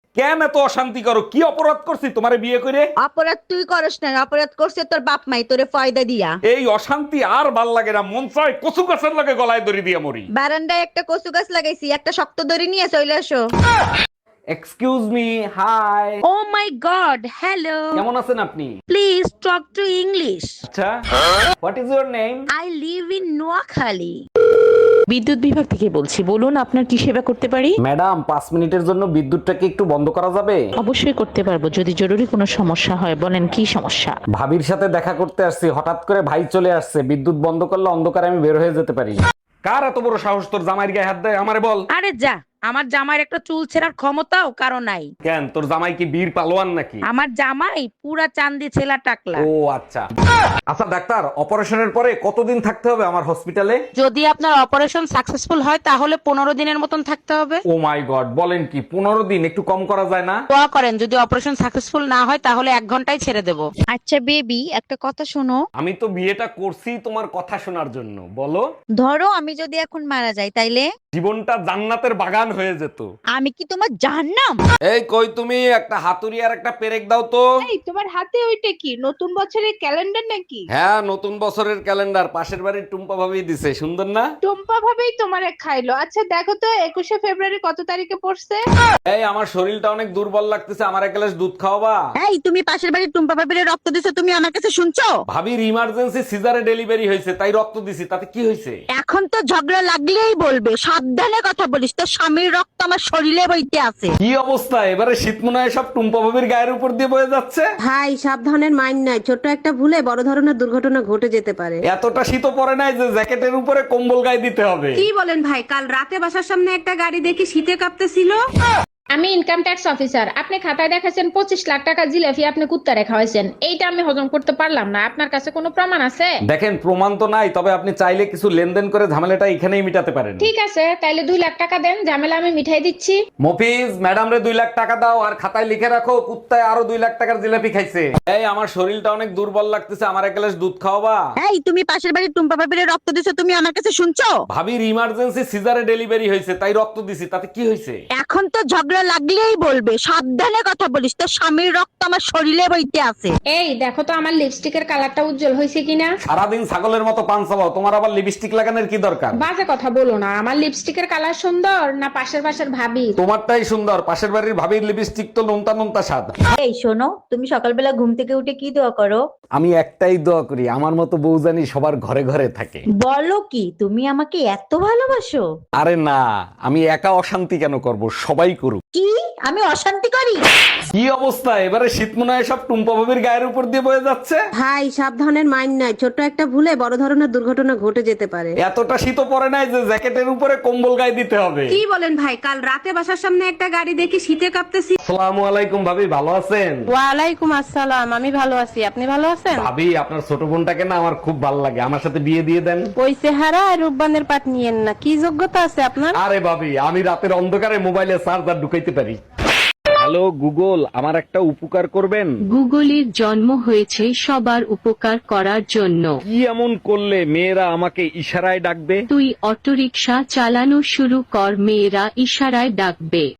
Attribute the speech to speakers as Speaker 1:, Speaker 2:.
Speaker 1: কেন এত অশান্তি করো? কি অপরাধ করছি তোমারে বিয়ে করে?
Speaker 2: অপরাধ তুই করস না, অপরাধ করছে তোর বাপ মাই তোরে ফয়দা দিয়া।
Speaker 1: এই অশান্তি আর ভাল লাগে না, মন চায় কচু গাছের লগে গলায় দড়ি দিয়ে মরি।
Speaker 2: বারান্দায় একটা কচু গাছ লাগাইছি, একটা শক্ত দড়ি নিয়ে চলে আসো।
Speaker 1: Excuse me, hi.
Speaker 2: Oh my god, hello.
Speaker 1: কেমন আছেন আপনি?
Speaker 2: Please talk to English.
Speaker 1: আচ্ছা, what is your name?
Speaker 2: I live in Noakhali.
Speaker 3: বিদ্যুৎ বিভাগ থেকে বলছি, বলুন আপনার কি সেবা করতে পারি।
Speaker 1: ম্যাডাম, 5 মিনিটের জন্য বিদ্যুৎটাকে একটু বন্ধ করা যাবে?
Speaker 3: অবশ্যই করতে পারবো, যদি জরুরি কোনো সমস্যা হয়। বলেন কি সমস্যা।
Speaker 1: ভাবির সাথে দেখা করতে আসছি, হঠাৎ করে ভাই চলে আসছে। বিদ্যুৎ বন্ধ করলে অন্ধকারে আমি বের হয়ে যেতে পারি। কার এত বড় সাহস তোর জামাইয়ের গায়ে হাত দেয়? আমারে বল।
Speaker 3: আরে যা, আমার জামাইয়ের একটা চুল ছেঁড়ার ক্ষমতাও কারো নাই।
Speaker 1: কেন, তোর জামাই কি বীর পালোয়ান নাকি?
Speaker 3: আমার জামাই পুরা চান্দি ছেলা টাকলা।
Speaker 1: ও আচ্ছা। আচ্ছা ডাক্তার, অপারেশনের পরে কতদিন থাকতে হবে আমার হসপিটালে?
Speaker 3: যদি আপনার অপারেশন সাকসেসফুল হয় তাহলে 15 দিনের মতন থাকতে হবে।
Speaker 1: ও মাই গড, বলেন কি? 15 দিন? একটু কম করা যায় না?
Speaker 3: দোয়া করেন, যদি অপারেশন সাকসেসফুল না হয় তাহলে 1 ঘন্টায় ছেড়ে দেব।
Speaker 2: আচ্ছা বেবি, একটা কথা শোনো।
Speaker 1: আমি তো বিয়েটা করছি তোমার কথা শোনার জন্য। বলো।
Speaker 2: ধরো আমি যদি এখন মারা যাই তাইলে
Speaker 1: জীবনটা জান্নাতের বাগান হয়ে যেত।
Speaker 2: আমি কি তোমার জাহান্নাম?
Speaker 1: এই কই তুমি, একটা হাতুড়ি আর একটা পেরেক দাও তো।
Speaker 4: এই তোমার হাতে ওইটা কি, নতুন বছরের ক্যালেন্ডার নাকি?
Speaker 1: হ্যাঁ, নতুন বছরের ক্যালেন্ডার, পাশের বাড়ির টুম্পা ভাবি দিছে। সুন্দর না?
Speaker 4: টুম্পা ভাবেই তোমারে খাইলো। আচ্ছা দেখো তো 21শে ফেব্রুয়ারি কত তারিখে পড়ছে?
Speaker 1: এই আমার শরীরটা অনেক দুর্বল লাগতেছে, আমার এক গ্লাস দুধ খাওয়াবা?
Speaker 2: এই তুমি পাশের বাড়ির টুম্পা ভাবিরে রক্ত দিছো, তুমি আমার কাছে শুনছো?
Speaker 1: ভাবির ইমার্জেন্সি সিজারে ডেলিভারি হয়েছে, তাই রক্ত দিছি। তাতে কি হয়েছে?
Speaker 2: এখন তো ঝগড়া লাগলেই বলবে, সাবধানে কথা বলিস, তোর স্বামীর রক্ত আমার শরীরে বইতে আছে।
Speaker 1: কি অবস্থা? এবারে শীত মনে হয় সব টুম্পা ভাবির গায়ের উপর দিয়ে বয়ে যাচ্ছে।
Speaker 5: ভাই সাবধানের মাইন নাই, ছোট্ট একটা ভুলে বড় ধরনের দুর্ঘটনা ঘটে যেতে পারে।
Speaker 1: এতটা শীতও পড়ে নাই যে জ্যাকেটের উপরে কম্বল গায়ে দিতে হবে।
Speaker 5: কি বলেন ভাই, কাল রাতে বাসার সামনে একটা গাড়ি দেখি শীতে কাঁপতেছিল।
Speaker 4: আমি ইনকাম ট্যাক্স অফিসার। আপনি খাতায় দেখাছেন 25 লাখ টাকা জিলাপি আপনি কুত্তা রেখা হয়েছেন। এইটা আমি হজম করতে পারলাম না। আপনার কাছে কোনো প্রমাণ আছে?
Speaker 1: দেখেন, প্রমাণ তো নাই, তবে আপনি চাইলে কিছু লেনদেন করে ঝামেলাটা এখানেই মিটাতে পারেন।
Speaker 4: ঠিক আছে, তাইলে 2 লাখ টাকা দেন, ঝামেলা আমি মিঠাই দিচ্ছি।
Speaker 1: মফিজ, ম্যাডাম রে 2 লাখ টাকা দাও, আর খাতায় লিখে রাখো কুত্তায় আরো 2 লাখ টাকার জিলাপি খাইছে। এই আমার শরীরটা অনেক দুর্বল লাগতেছে, আমার এক গ্লাস দুধ খাওয়াবা?
Speaker 2: এই তুমি পাশের বাড়ির টুম্পা ভাবিরে রক্ত দিছো, তুমি আমার কাছে শুনছো?
Speaker 1: ভাবির ইমার্জেন্সি সিজারে ডেলিভারি হয়েছে, তাই রক্ত দিছি। তাতে কি হয়েছে?
Speaker 2: এখন তো ঝগড়া লাগলেই বলবে, সাবধানে কথা বলিস, তোর স্বামীর রক্ত আমার শরীরে বইতে আছে।
Speaker 4: এই দেখো তো আমার লিপস্টিকের কালারটা উজ্জ্বল হয়েছে কিনা।
Speaker 1: সারাদিন ছাগলের মতো পান চাবাও, তোমার আবার লিপস্টিক লাগানোর কি দরকার?
Speaker 4: বাজে কথা বলো না। আমার লিপস্টিকের কালার সুন্দর না পাশের ভাবি?
Speaker 1: তোমারটাই সুন্দর, পাশের বাড়ির ভাবির লিপস্টিক তো নোনতা নোনতা স্বাদ।
Speaker 2: এই শোনো, তুমি সকালবেলা ঘুম থেকে উঠে কি দোয়া করো?
Speaker 1: আমি একটাই দোয়া করি, আমার মতো বউ জানি সবার ঘরে ঘরে থাকে।
Speaker 2: বলো কি, তুমি আমাকে এত ভালোবাসো?
Speaker 1: আরে না, আমি একা অশান্তি কেন করব, সবাই করুক।
Speaker 2: কি আমি অশান্তি করি?
Speaker 1: কি অবস্থা? এবারে শীত মনে হয় সব টুম্পা ভাবির গায়ের উপর দিয়ে বয়ে যাচ্ছে।
Speaker 5: ভাই সাবধানের মাইন নাই, ছোট্ট একটা ভুলে বড় ধরনের দুর্ঘটনা ঘটে যেতে পারে।
Speaker 1: এতটা শীতও পড়ে নাই যে জ্যাকেটের উপরে কম্বল গায়ে দিতে হবে।
Speaker 5: কি বলেন ভাই, কাল রাতে বাসার সামনে একটা গাড়ি দেখি শীতে কাঁপতেছিল।
Speaker 1: আসসালামু আলাইকুম ভাবি, ভালো আছেন?
Speaker 3: ওয়ালাইকুম আসসালাম, আমি ভালো আছি, আপনি ভালো আছেন?
Speaker 1: ভাবি, আপনার ছোট বোনটাকে না আমার খুব ভালো লাগে, আমার সাথে বিয়ে দিয়ে দেন।
Speaker 3: ওই চেহারা আর রূপবানের পাট নিয়েন না, কি যোগ্যতা আছে আপনার?
Speaker 1: আরে ভাবি, আমি রাতের অন্ধকারে মোবাইলে চার্জার ঢুকাইতে পারি। হ্যালো গুগল, আমার একটা উপকার করবেন?
Speaker 6: গুগলের জন্ম হয়েছে সবার উপকার করার জন্য।
Speaker 1: কি এমন করলে মেয়েরা আমাকে ইশারায় ডাকবে?
Speaker 6: তুই অটোরিকশা চালানো শুরু কর, মেয়েরা ইশারায় ডাকবে।